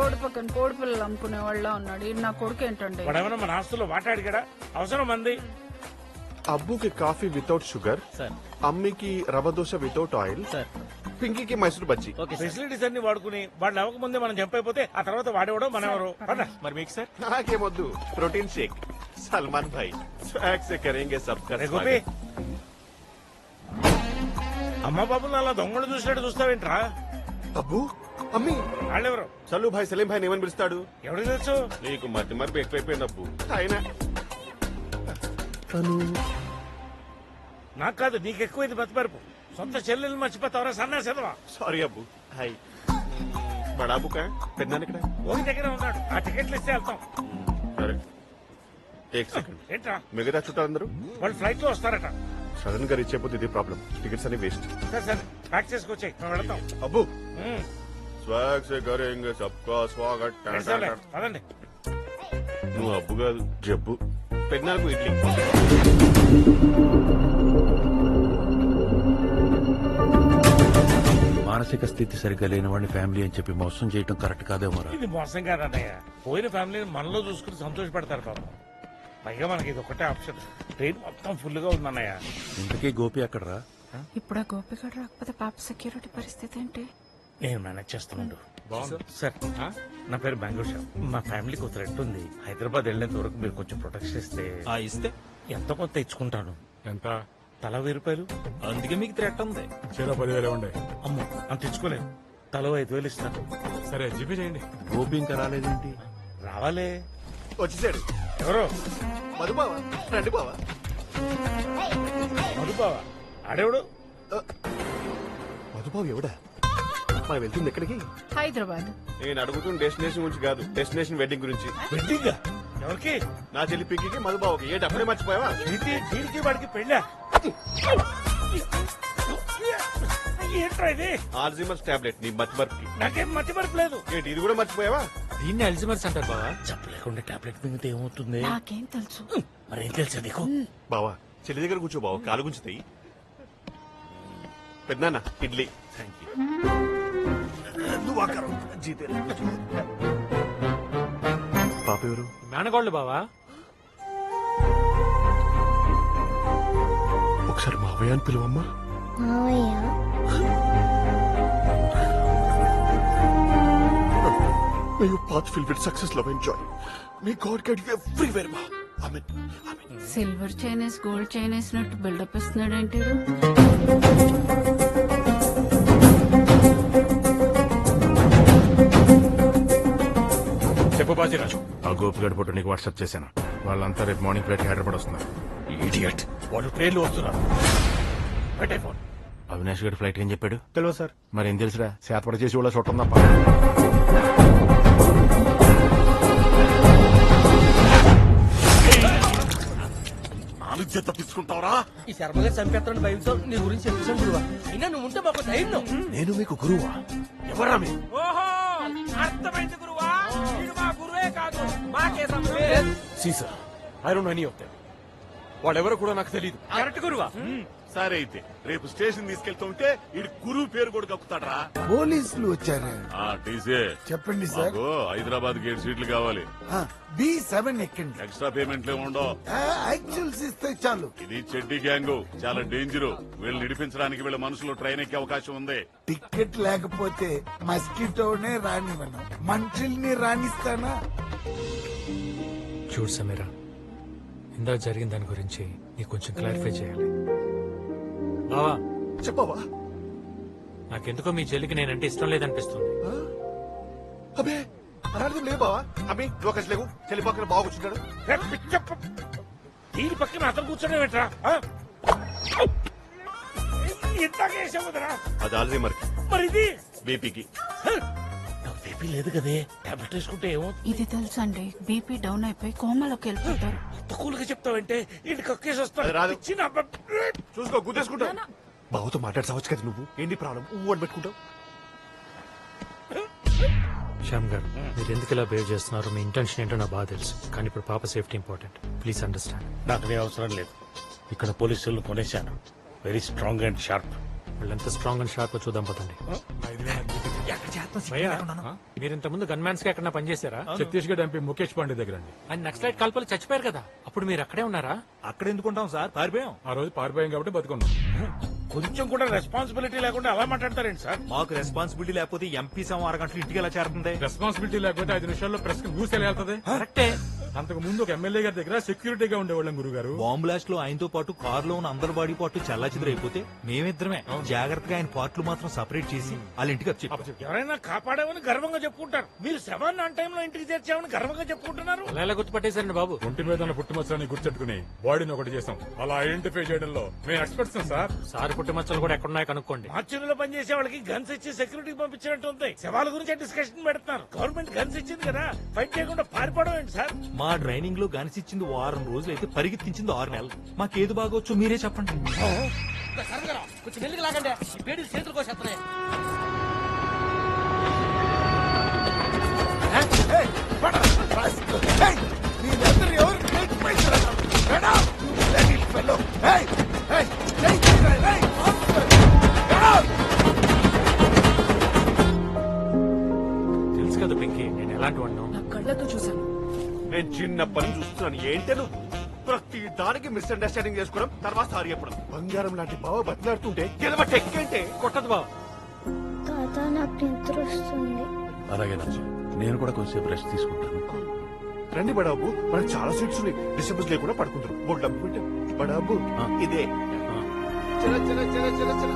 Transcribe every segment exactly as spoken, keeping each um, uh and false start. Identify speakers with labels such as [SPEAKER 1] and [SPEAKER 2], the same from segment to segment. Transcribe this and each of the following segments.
[SPEAKER 1] Road పక్కన కోడి పిల్లలు అమ్ముకునే వాళ్ళ ఉన్నాడు. ఈ నా కొడుకు ఏంటండి?
[SPEAKER 2] వాడేమన్నా మన ఆస్తుల్లో వాటాడిగాడా? అవసరం మంది.
[SPEAKER 3] అబ్బుకి కాఫీ వితౌట్ షుగర్, అమ్మికి రవ దోశ వితౌట్ ఆయిల్, పింకీకి మైసూర్ బజ్జీ.
[SPEAKER 2] ఫెసిలిటీస్ అన్ని వాడుకుని వాళ్ళు అవ్వక ముందే మనం చంపైపోతే ఆ తర్వాత వాడేవాడో మన ఎవరు.
[SPEAKER 4] మరి మీకు సార్?
[SPEAKER 3] నాకేమొద్దు, protein shake. Salman Bhai swag సే కరేంగే సబ్కా
[SPEAKER 2] గోపి,
[SPEAKER 3] స్వాగత్.
[SPEAKER 2] అమ్మ బాబులు అలా దొంగలు చూసినట్టు చూస్తావేంట్రా?
[SPEAKER 3] అబ్బు, అమ్మి,
[SPEAKER 2] వాళ్ళెవరు?
[SPEAKER 3] చల్లు భాయ్ సలీం భాయ్ ఏమని పిలుస్తాడు?
[SPEAKER 2] ఎవరికి తెలుసు?
[SPEAKER 3] నీకు మధ్య మరపు ఎక్కువైపోయింది అబ్బు. ఆయన తను
[SPEAKER 2] నాకు కాదు, నీకు ఎక్కువైంది మతిమరుపు. సొంత చెల్లెలు మర్చిపోతావరా సన్నాసేదవా?
[SPEAKER 3] సారీ అబ్బు. హాయ్ బడాబు కా పెద్దాను ఇక్కడ
[SPEAKER 2] ఓకి దగ్గర ఉన్నాడు. ఆ టికెట్లు ఇస్తే వెళ్తాం.
[SPEAKER 3] సరే ఏక్ సెకండ్.
[SPEAKER 2] ఏంట్రా?
[SPEAKER 3] మిగతా చుట్టాలందరూ
[SPEAKER 2] వాళ్ళు ఫ్లైట్ లో వస్తారట.
[SPEAKER 3] సడన్ గా రీచ్ అయిపోతే ఇది ప్రాబ్లం. టికెట్స్ అన్ని వేస్ట్.
[SPEAKER 2] సరే సరే ప్యాక్ చేసుకొచ్చాయి, మేము వెళ్తాం.
[SPEAKER 3] అబ్బు,
[SPEAKER 2] ఉమ్,
[SPEAKER 3] స్వాగ్ సే కరేంగే సబ్కా స్వాగత్.
[SPEAKER 2] సరేలే, పదండి.
[SPEAKER 3] నువ్వు అబ్బు కాదు, జబ్బు. పెద్దనాలకు ఇడ్లీ.
[SPEAKER 5] మానసిక స్థితి సరిగ్గా లేని వాడిని ఫ్యామిలీ అని చెప్పి మోసం చేయడం కరెక్ట్ కాదేమో.
[SPEAKER 2] ఇది మోసం కాదన్నయ్య. పోయిన ఫ్యామిలీని మనలో చూసుకుని సంతోషపడతారు పాపం. పైగా మనకి ఇది ఒకటే ఆప్షన్. ట్రైన్ మొత్తం ఫుల్ గా ఉందన్నయ్య.
[SPEAKER 5] ఇంతకీ గోపి అక్కడరా?
[SPEAKER 1] ఇప్పుడు ఆ గోపిగడు రాకపోతే పాప సెక్యూరిటీ పరిస్థితి ఏంటి?
[SPEAKER 2] నేను మేనేజ్ చేస్తున్నాడు. సార్, నా పేరు బెంగళూరు షా. మా ఫ్యామిలీకి ఒక థ్రెట్ ఉంది. హైదరాబాద్ వెళ్లేంత వరకు మీరు కొంచెం ప్రొటెక్షన్ ఇస్తే.
[SPEAKER 4] ఇస్తే
[SPEAKER 2] ఎంత కొంత ఇచ్చుకుంటాను.
[SPEAKER 6] ఎంత?
[SPEAKER 2] తల వెయ్యి రూపాయలు.
[SPEAKER 4] అందుకే మీకు థ్రెట్ ఉంది.
[SPEAKER 6] చీర పదివేలు ఉండే.
[SPEAKER 2] అమ్మో, అంత ఇచ్చుకోలేను. తల ఐదు వేలు ఇస్తాను.
[SPEAKER 6] సరే జీపే చేయండి.
[SPEAKER 5] గోపి ఇంకా రాలేదేంటి?
[SPEAKER 2] రావాలే.
[SPEAKER 3] వచ్చేసాడు.
[SPEAKER 2] ఎవరు?
[SPEAKER 3] మధుబావా, రండి బావా.
[SPEAKER 2] మధుబావా? ఆడేవుడు?
[SPEAKER 3] మధుబాబు ఎవడా? మనం వెళ్తుంది ఎక్కడికి?
[SPEAKER 1] హైదరాబాద్.
[SPEAKER 3] నేను అడుగుతున్న డెస్టినేషన్ గురించి కాదు, డెస్టినేషన్ వెడ్డింగ్ గురించి.
[SPEAKER 2] వెడ్డింగ్? ఎవరికి?
[SPEAKER 3] నా చెల్లి పిక్కి మధుబాబుకి. ఏంటి అప్పుడే మర్చిపోయావా?
[SPEAKER 2] దీనికి దీనికి వాడికి పెళ్ళా? ఏంట్రా ఇది?
[SPEAKER 3] ఆల్జిమర్స్ టాబ్లెట్ నీ మతి మరపుకి.
[SPEAKER 2] నాకేం మతి మరపు లేదు.
[SPEAKER 3] ఏంటి ఇది కూడా మర్చిపోయావా?
[SPEAKER 4] దీన్ని అల్జిమర్స్ అంటారు బావా.
[SPEAKER 2] చెప్పలేకుండా టాబ్లెట్ మింగితే ఏమవుతుంది?
[SPEAKER 1] నాకేం తెలుసు.
[SPEAKER 2] మరేం తెలుసా నీకు?
[SPEAKER 3] బావా చెల్లి దగ్గర కూర్చో బావ, కాలు గుంచుతాయి. పెద్దనాన్న ఇడ్లీ.
[SPEAKER 2] Thank you.
[SPEAKER 3] పాప ఎవరు?
[SPEAKER 4] మేనగోళ్ళు బావా.
[SPEAKER 3] ఒకసారి మావయ్య అని పిలువమ్మా. May your path filled with success, love and joy. May God guide you everywhere, ma. Amen. Amen.
[SPEAKER 1] Silver Chinese gold Chinese నట్టు బిల్డప్ ఇస్తున్నాడు ఏంటి?
[SPEAKER 6] చెప్పు బాజీరాజు. ఆ గోపిగడ్ ఫోటో నీకు వాట్సాప్ చేశాను. వాళ్ళంతా రేపు మార్నింగ్ ఫ్లైట్ హైదరాబాద్ వస్తున్నారు.
[SPEAKER 2] ఇడియట్, వాళ్ళు ట్రైన్లో వస్తున్నారు. పెట్టే ఫోన్.
[SPEAKER 5] అవినాష్ గడి ఫ్లైట్ ఏం చెప్పాడు?
[SPEAKER 6] తెలియదు సార్.
[SPEAKER 5] మరి ఏం తెలుసురా? శాతపడ చేసి వాళ్ళ చూడటం తప్ప.
[SPEAKER 3] నాలుగు తప్పించుకుంటావరా?
[SPEAKER 7] ఈ శర్మగా చంపేస్తాను భయంతో నీ గురించి చెప్పేసాను గురువా. అయినా నువ్వు ఉంటే మాకు ధైర్యం.
[SPEAKER 3] నేను మీకు గురువా? ఎవరా మీ?
[SPEAKER 7] ఓహో, అర్థమైంది గురువా. వీడు మా గురువే కాదు, మాకే సంబంధం.
[SPEAKER 6] సీసా I don't know any of them. వాళ్ళెవరో కూడా నాకు తెలియదు.
[SPEAKER 7] కరెక్ట్ గురువా.
[SPEAKER 3] సరే అయితే రేపు స్టేషన్ తీసుకెళ్తుంటే ఇడు గురువు పేరు కూడా కక్కుతాడరా?
[SPEAKER 8] పోలీసులు వచ్చారు.
[SPEAKER 3] టీసీ
[SPEAKER 8] చెప్పండి సార్.
[SPEAKER 3] హైదరాబాద్ గేట్ సీట్లు కావాలి.
[SPEAKER 8] బి సెవెన్ ఎక్కండి.
[SPEAKER 3] ఎక్స్ట్రా పేమెంట్లు ఉండవు.
[SPEAKER 8] యాక్చువల్స్ ఇస్తే చాలు.
[SPEAKER 3] ఇది చెడ్డి గ్యాంగ్, చాలా డేంజర్. వీళ్ళు నిడిపించడానికి వీళ్ళ మనసులో ట్రైన్ ఎక్కే అవకాశం ఉంది.
[SPEAKER 8] టికెట్ లేకపోతే మస్కిటోనే రానివ్వను, మనుషుల్ని రాణిస్తానా?
[SPEAKER 4] చూడు సమీరా, ఇందాక జరిగిన దాని గురించి నీకు కొంచెం క్లారిఫై చేయాలి. బావా
[SPEAKER 3] చెప్పవా?
[SPEAKER 4] నాకెందుకో మీ చెల్లికి నేనంటే ఇష్టం లేదనిపిస్తుంది.
[SPEAKER 3] అబే అలాంటిది లేదు బావా. అబ్బి నువ్వు ఒకటి లేవు. చెల్లి పక్కన బాగా కూర్చుంటాడు.
[SPEAKER 2] దీని పక్కన అతను కూర్చొని పెట్టరా? ఇంతగా వేసావుదరా?
[SPEAKER 3] అది ఆల్జీమర్.
[SPEAKER 2] మరి ఇది
[SPEAKER 3] బీపీకి.
[SPEAKER 2] నాకు బీపీ లేదు కదే. టాబ్లెట్ వేసుకుంటే ఏమో.
[SPEAKER 1] ఇది తెలుసండి, బీపీ డౌన్ అయిపోయి కోమలోకి వెళ్ళిపోతారు.
[SPEAKER 2] తక్కువగా చెప్తావంటే ఇంటి కక్కేసి
[SPEAKER 3] అది రాదు.
[SPEAKER 2] వస్తాను.
[SPEAKER 3] చూసుకో గుద్దేసుకుంటా. బావతో మాట్లాడసావచ్చు కదా నువ్వు. ఏంటి ప్రాబ్లం? ఊ అని పెట్టుకుంటావు.
[SPEAKER 4] శ్యామ్ గారు, మీరు ఎందుకు ఇలా బిహేవ్ చేస్తున్నారు? మీ ఇంటెన్షన్ ఏంటో నాకు బాగా తెలుసు. కానీ ఇప్పుడు పాప సేఫ్టీ ఇంపార్టెంట్. Please understand.
[SPEAKER 2] నాకు నీ అవసరం లేదు. ఇక్కడ పోలీసులు కొనేశాను. Very strong and sharp.
[SPEAKER 4] వాళ్ళు ఎంత స్ట్రాంగ్ అండ్ షార్ప్ చూద్దాం పదండి.
[SPEAKER 2] ఎక్కడ చేద్దాం?
[SPEAKER 9] మొత్తం సిగ్గు
[SPEAKER 4] భయ్యా
[SPEAKER 9] లేకుండా ఉన్నాను.
[SPEAKER 4] మీరు ఇంత ముందు గన్మ్యాన్స్ గా ఎక్కడ పనిచేశారా?
[SPEAKER 6] ఛత్తీస్గఢ్ ఎంపీ ముఖేష్ పాండే దగ్గర అండి.
[SPEAKER 4] ఆయన నక్సలైట్ కాల్పలు చచ్చిపోయారు కదా, అప్పుడు మీరు అక్కడే ఉన్నారా?
[SPEAKER 9] అక్కడ ఎందుకుంటాం సార్, పారిపోయాం.
[SPEAKER 6] ఆ రోజు పారిపోయాం కాబట్టి బతుకున్నాం.
[SPEAKER 2] కొంచెం కూడా రెస్పాన్సిబిలిటీ లేకుండా అలా మాట్లాడతారేంటి సార్?
[SPEAKER 9] మాకు రెస్పాన్సిబిలిటీ లేకపోతే ఎంపీ సమ అరగంటలు ఇంటికి ఎలా చేరుతుంది?
[SPEAKER 6] రెస్పాన్సిబిలిటీ లేకపోతే ఐదు నిమిషాల్లో ప్రెస్ కి న్యూస్ ఎలా వెళ్తుంది?
[SPEAKER 4] కరెక్టే.
[SPEAKER 6] అంతకు ముందు ఒక ఎమ్మెల్యే గారి దగ్గర సెక్యూరిటీగా ఉండేవాళ్ళం గురుగారు.
[SPEAKER 9] బాంబ్ బ్లాస్ట్ లో ఆయనతో పాటు కార్ లో ఉన్న అందరి బాడీ పార్ట్ చల్లా అయిపోతే మేమిద్దరమే జాగ్రత్తగా ఆయన పార్ట్లు మాత్రం సపరేట్ చేసి వాళ్ళ ఇంటికి వచ్చి
[SPEAKER 2] ఎవరైనా కాపాడామని గర్వంగా చెప్పుకుంటారు, మీరు శవాన్ని అన్ టైంలో ఇంటికి చేర్చామని గర్వంగా చెప్పుకుంటున్నారు.
[SPEAKER 4] అలా ఎలా గుర్తుపట్టేశారండి బాబు?
[SPEAKER 6] ఒంటి మీద ఉన్న పుట్టుమచ్చని గుర్తెట్టుకుని బాడీని ఒకటి చేసాం. అలా ఐడెంటిఫై చేయడంలో మేము ఎక్స్పర్ట్స్ సార్.
[SPEAKER 4] సారి పుట్టుమచ్చలు కూడా ఎక్కడున్నాయో కనుక్కోండి.
[SPEAKER 2] మార్చురీలో పనిచేసే వాళ్ళకి గన్స్ ఇచ్చి సెక్యూరిటీ పంపించినట్టు ఉంది. శవాల గురించి డిస్కషన్ పెడుతున్నారు. గవర్నమెంట్ గన్స్ ఇచ్చింది కదా, ఫైట్ చేయకుండా పారిపోవడం ఏంటి సార్?
[SPEAKER 9] మా ట్రైనింగ్ లో గనిసిచ్చింది వారం రోజులు అయితే పరిగెత్తించింది ఆరు నెలలు. మాకేది బాగోచ్చు మీరే చెప్పండి.
[SPEAKER 7] కొంచెం మెల్లిగా లాగండి, ఈ పేడీలు చేతులు కోసేస్తున్నాయి.
[SPEAKER 8] మీరందరూ ఎవరు నేర్చుకుంటారు?
[SPEAKER 4] తెలుసు కదా పింకీ, నేను ఎలాంటి వాడినో.
[SPEAKER 1] నా కళ్ళతో చూశాను.
[SPEAKER 3] నేను చిన్నప్పటి నుంచి చూస్తున్నాను. ఏంటే నువ్వు ప్రతి దానికి మిస్అండర్స్టాండింగ్ చేసుకోవడం, తర్వాత సారీ చెప్పడం. బంగారం లాంటి బావ బతిలాడుతుంటే గెలవ టెక్కేంటే
[SPEAKER 4] కొట్టదు బాబు.
[SPEAKER 10] తాత నాకు నిద్ర వస్తుంది.
[SPEAKER 5] అలాగే నాన్న, నేను కూడా కొంచెంసేపు రెస్ట్ తీసుకుంటాను.
[SPEAKER 3] రండి బడాబు, మనకు చాలా సీట్స్ ఉన్నాయి. డిస్టర్బెన్స్ లేకుండా పడుకుంటారు. బోర్డు డబ్బు పెట్టాం. బడాబు ఇదే చల చల చల చల చల.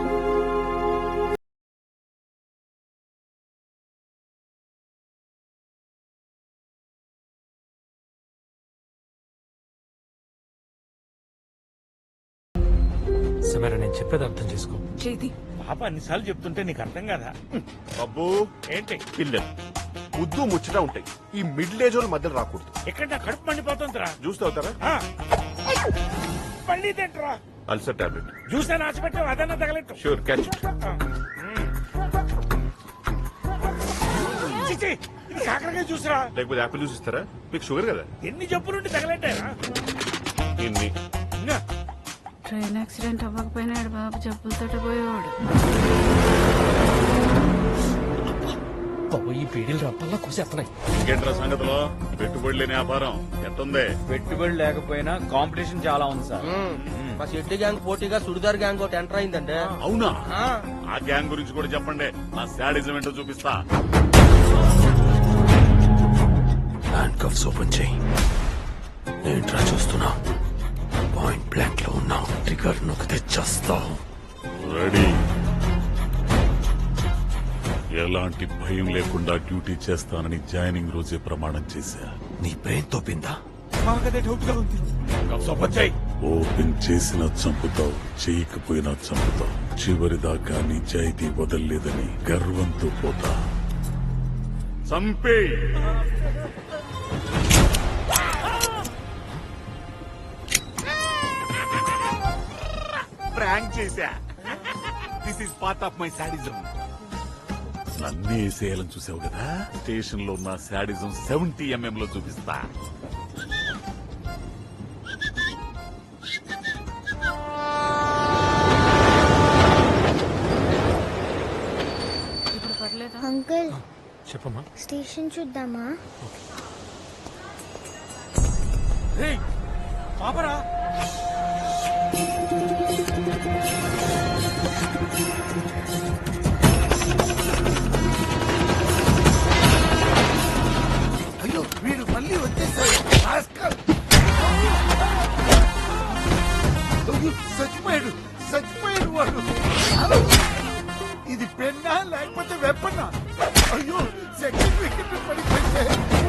[SPEAKER 4] సమీరా, నేను చెప్పేది అర్థం చేసుకో.
[SPEAKER 1] చేతి
[SPEAKER 2] పాప అన్నిసార్లు చెప్తుంటే నీకు అర్థం కదా?
[SPEAKER 3] అబ్బో
[SPEAKER 2] ఏంటి
[SPEAKER 3] పిల్లలు ముద్దు ముచ్చట ఉంటాయి. ఈ మిడిల్ ఏజ్ వాళ్ళ మధ్యలో రాకూడదు.
[SPEAKER 2] ఎక్కడ నా కడుపు మండిపోతుందిరా.
[SPEAKER 3] జ్యూస్ తాగుతారా?
[SPEAKER 2] ఆ. మళ్ళీ తింటరా
[SPEAKER 3] అల్సర్ టాబ్లెట్.
[SPEAKER 2] జ్యూస్ అని ఆశపెట్టావు, అదన్నా తగలెట్టు.
[SPEAKER 3] Sure catch.
[SPEAKER 2] చిచి, ఇది కాకరకాయ జ్యూస్రా.
[SPEAKER 3] లేకపోతే యాపిల్ జ్యూస్ ఇస్తారా? మీకు షుగర్ కదా.
[SPEAKER 2] ఎన్ని జబ్బులుండి తగలెట్టారా?
[SPEAKER 3] ఇన్ని
[SPEAKER 2] ఇంకా
[SPEAKER 1] ట్రైన్ యాక్సిడెంట్ అవ్వకపోయినాడు బాబు, జబ్బులతో పోయేవాడు.
[SPEAKER 7] ఈ పేడీలు రప్పల్లా కోసేస్తున్నాయి.
[SPEAKER 11] ఇంకేంట్రా సంగతిలో? పెట్టుబడి లేని వ్యాపారం ఎట్టుంది?
[SPEAKER 7] పెట్టుబడి లేకపోయినా కాంపిటీషన్ చాలా ఉంది సార్. మా షెట్టి గ్యాంగ్ పోటీగా సుడిదార్ గ్యాంగ్ ఒకటి ఎంటర్ అయిందండి.
[SPEAKER 11] అవునా? ఆ గ్యాంగ్ గురించి కూడా చెప్పండి, నా శాడిజం ఏంటో చూపిస్తా.
[SPEAKER 5] హ్యాండ్ కఫ్స్ ఓపెన్ చేయి. ఏంట్రా చూస్తున్నా? పాయింట్ బ్లాంక్ లో ఉన్నావు. ట్రిగర్ నొక్కితే చేస్తావు.
[SPEAKER 11] రెడీ. ఎలాంటి భయం లేకుండా డ్యూటీ చేస్తానని జాయినింగ్ రోజే ప్రమాణం చేశా.
[SPEAKER 5] నీ బ్రెయిన్ తోపిందా?
[SPEAKER 8] మాకదే డౌట్ గా ఉంది.
[SPEAKER 11] ఓపెన్ చేసినా చంపుతావు, చేయకపోయినా చంపుతావు. చివరిదాకా నిజాయితీ వదల్లేదని గర్వంతో పోతా. చంపే.
[SPEAKER 9] ప్రాంక్ చేశా. This is part of my sadism.
[SPEAKER 11] నన్నే వేసేయాలని చూసావు కదా, స్టేషన్ లో ఉన్న శాడిజం సెవెంటీ ఎంఎం లో చూపిస్తా.
[SPEAKER 1] ఇప్పుడు పర్లేదా?
[SPEAKER 10] అంకుల్
[SPEAKER 4] చెప్పమ్మా.
[SPEAKER 10] స్టేషన్ చూద్దామా?
[SPEAKER 7] పాపరా
[SPEAKER 8] అయ్యో వీడు మళ్ళీ వచ్చేసాడు. రాస్కల్. అయ్యో, చచ్చిపోయాడు చచ్చిపోయాడు వాడు. ఇది పెన్నా లేకపోతే వెప్పన్నా? అయ్యో సెకండ్ వికెట్ పడిపోయింది.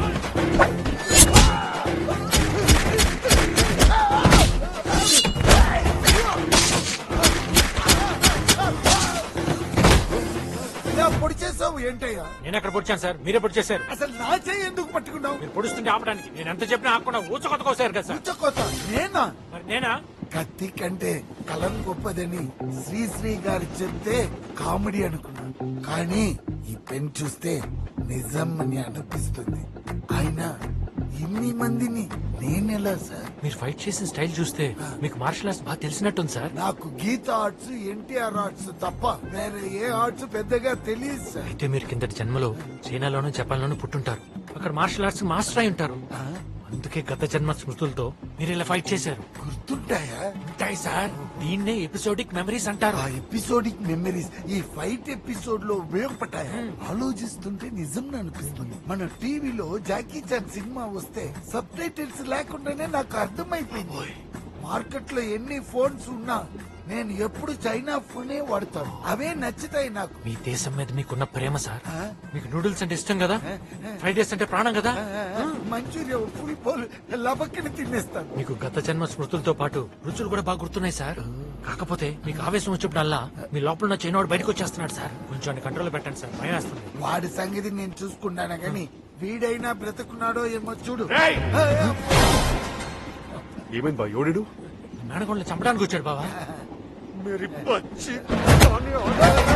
[SPEAKER 8] ఇలా పొడి చేసావు ఏంటయ్యా?
[SPEAKER 4] నేను ఎక్కడ పొడిచాను సార్? మీరే పొడి చేశారు.
[SPEAKER 8] అసలు నా చేయి ఎందుకు పట్టుకున్నావు?
[SPEAKER 4] మీరు పొడుస్తుంటే ఆపడానికి నేను ఎంత చెప్పినా ఆపకుండా ఊచకొత్త కోసారు కదా సార్.
[SPEAKER 8] ఉచ్చకోత నేనా?
[SPEAKER 4] మరి నేనా?
[SPEAKER 8] కత్తి కంటే కలం గొప్పదని శ్రీశ్రీ గారు చెప్తే కామెడీ అనుకున్నాను, కానీ ఈ పెన్ చూస్తే నిజం అని అనిపిస్తుంది. ఆయన ఇన్ని మందిని నేనెలా సార్?
[SPEAKER 4] మీరు ఫైట్ చేసిన స్టైల్ చూస్తే మీకు మార్షల్ ఆర్ట్స్ బాగా తెలిసినట్టుంది సార్.
[SPEAKER 8] నాకు గీత ఆర్ట్స్, ఎన్టీఆర్ ఆర్ట్స్ తప్ప వేరే ఏ ఆర్ట్స్ పెద్దగా తెలియదు సార్.
[SPEAKER 4] అయితే మీరు కిందటి జన్మలో చైనాలోనూ జపాన్లోనూ పుట్టుంటారు. అక్కడ మార్షల్ ఆర్ట్స్ మాస్టర్ అయి ఉంటారు. అందుకే గత జన్మ స్మృతులతో మీరు ఇలా ఫైట్ చేశారు.
[SPEAKER 8] గుర్తుంటాయా?
[SPEAKER 4] ఉంటాయి సార్. దీన్నే ఎపిసోడిక్ మెమరీస్ అంటారు.
[SPEAKER 8] ఆ ఎపిసోడిక్ మెమరీస్ ఈ ఫైట్ ఎపిసోడ్ లో ఉపయోగపడ్డాయా? ఆలోచిస్తుంటే నిజం అనిపిస్తుంది. మన టీవీలో జాకీ చాన్ సినిమా వస్తే సబ్ టైటిల్స్ లేకుండానే నాకు అర్థమైపోయింది. మార్కెట్ లో ఎన్ని ఫోన్స్ ఉన్నా నేను ఎప్పుడు చైనా ఫోనే వాడతాను. అవే నచ్చుతాయి నాకు.
[SPEAKER 4] మీ దేశం మీద మీకున్న ప్రేమ సార్. మీకు నూడిల్స్ అంటే ఇష్టం కదా, ఫ్రైడ్ రైస్ అంటే ప్రాణం కదా.
[SPEAKER 8] మంచూరియా ఫుల్ పోల్ లబక్కని తినేస్తాను.
[SPEAKER 4] మీకు గత జన్మ స్మృతులతో పాటు రుచులు కూడా బాగా గుర్తున్నాయి సార్. కాకపోతే మీకు ఆవేశం వచ్చినప్పుడల్లా మీ లోపల ఉన్న చైనాడు బయటకు వచ్చేస్తున్నాడు సార్. కొంచెం కంట్రోల్ పెట్టండి సార్, భయం వేస్తుంది.
[SPEAKER 8] వాడి సంగతి నేను చూసుకున్నాను గాని వీడైనా బ్రతుకున్నాడో ఏమో చూడు.
[SPEAKER 3] ఏమైంది బా ఎవడు?
[SPEAKER 4] మేనగోళ్ళని చంపడానికి వచ్చాడు బావా.
[SPEAKER 3] मेरी बच्ची